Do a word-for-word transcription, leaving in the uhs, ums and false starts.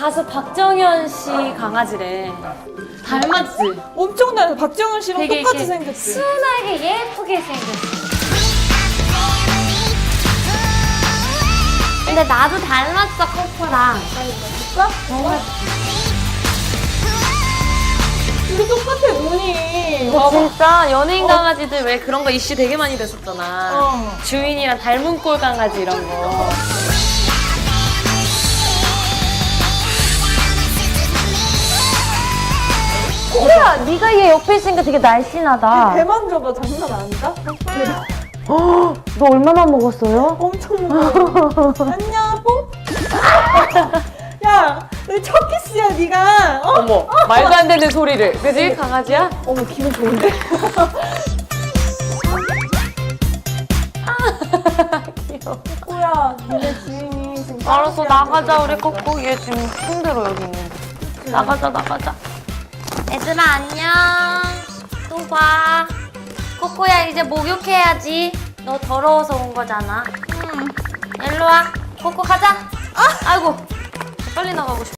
가수 박정현 씨 강아지래. 닮았지? 엄청 닮아. 박정현 씨랑 되게 똑같이 이렇게 생겼지. 순하게 예쁘게 생겼어. 근데 나도 닮았어, 코코랑. 진짜? 근데 똑같아, 눈이. 봐봐. 진짜 연예인 강아지들 왜 그런 거 이슈 되게 많이 됐었잖아. 어. 주인이랑 닮은 꼴 강아지 이런 거. 코코야, 네가 얘 옆에 있으니까 되게 날씬하다. 배만 줘봐, 장난 아니다? 너 얼마나 먹었어요? 엄청 먹어. 안녕, 뽀? 야, 내 첫 키스야, 네가. 어? 어머, 말도 안 되는 소리를. 그지? 강아지야? 어머, 기분 좋은데? 귀여워. 꼬야, 니네 주인이 지금. 알았어, 나가자. 우리 코코. 얘 지금 힘들어, 여기 있는데. 나가자, 나가자. 얘들아, 안녕. 또 봐. 코코야, 이제 목욕해야지. 너 더러워서 온 거잖아. 응. 일로 와. 코코 가자. 아! 아이고. 빨리 나가고 싶어.